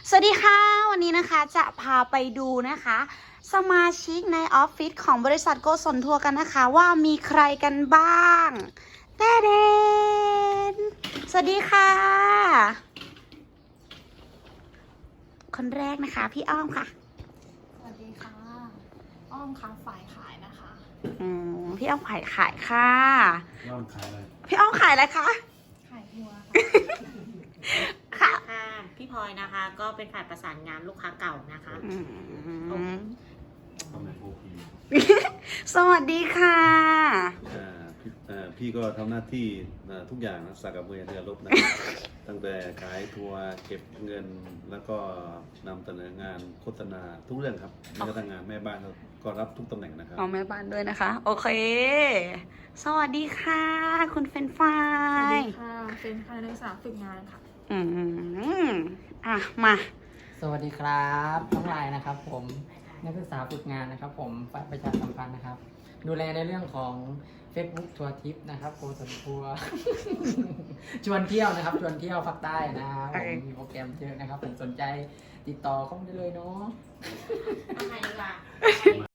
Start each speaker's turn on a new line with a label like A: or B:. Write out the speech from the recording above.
A: สวัสดีค่ะวันนี้นะคะจะพาไปดูนะคะ สมาชิกในออฟฟิศของบริษัทโกศลทัวร์กันนะคะว่ามีใครกันบ้างแต่เดนสวัสดีค่ะ คนแรกนะคะพี่อ้อมค่ะ
B: สวัสดีค่ะ อ้อมค่ะฝ่ายขายนะคะ
A: พี่อ้อมขายค่ะ
C: พี่อ้อมขายอะไร
A: พี่อ้อมขายอะไรคะ
B: ขายทัวร์
A: ค่ะ
B: ค่ะ
D: ค่ะพี่พลอยนะคะก็เป็นฝ่ายประสานงานลูกค้าเก่านะคะ
C: ทำในโอพี
A: สวัสดีค่ะ
C: พี่ก็ทำหน้าที่ทุกอย่างนะสักกับเรือรบนะ ตั้งแต่ขายทัวร์เก็บเงินแล้วก็นำเสนองานโฆษณาทุกเรื่องครับแม้กระทั่งงานแม่บ้านก็รับทุกตำแหน่งนะครับ
A: เอาแม่บ้านด้วยนะคะ โอเค สวัสดีค่ะ คุณเฟรนไฟ
B: สวัส
A: ร
B: ดี
A: ย์
B: ค่ะ เป็นคณะนักศึกษาฝึกงานค่ะ
A: อืมมา
E: สวัสดีครับน้องลายนะครับผมนักศึกษาฝึกงานนะครับผมฝ่ายประชาสัมพันธ์นะครับ ดูแลในเรื่องของ Facebook ทัวร์ทิปนะครับโกศลทัวร์ ชวนเที่ยวนะครับชวนเที่ยวภาคใต้นะครับผมมีโปรแกรมเยอะนะครับผมสนใจติดต่อเข้ามาได้เลยเนาะ
D: ทำไมดีกว่า